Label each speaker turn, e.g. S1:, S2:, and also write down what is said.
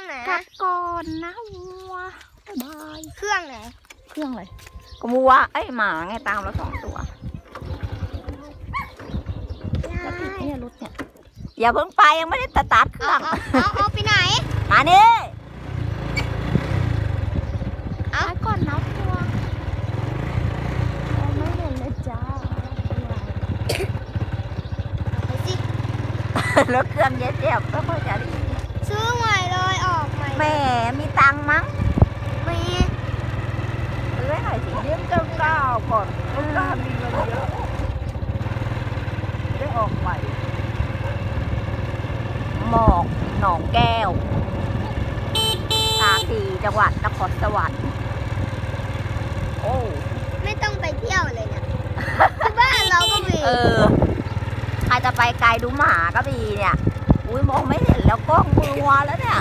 S1: ไหน
S2: กลับก่อนนะวัวบาย
S1: เครื่องไหน
S2: เครื่องเลยก็วัวไอ้หมาไงตามเรา2 ตัวจะติดเนี่ยรถเนี่ยอย่าเพิ่งไปยังไม่ได้สตาร์ทเครื่อง
S1: เอาไปไหน
S2: มานี่
S1: เอา
S2: ไปก่อนนะวัวไม่เห็นเลยจ้า
S1: ไปสิ
S2: แล้วเครื่องเย็บก็ค่อยจะได้
S1: ซื้อใหม่เลยออกใหม่
S2: แหมมีตังค์มั้ง
S1: มี
S2: ซื้อให้หน่อยสิ
S3: เลี้ยงเจ้าก้าวก่อนเจ้าก้าวมีเงินเยอะได้ออกใหม่
S2: หมอกหนองแก้วตาคีจังหวัดนครสวรรค์โอ้
S1: ไม่ต้องไปเที่ยวเลยเนี่ยที่บ้านเราก็มี
S2: ใครจะไปไกลดูหมาก็มีเนี่ย อุ้ยมองไม่เห็นแล้วกล้องมือวัวแล้วเนี่ย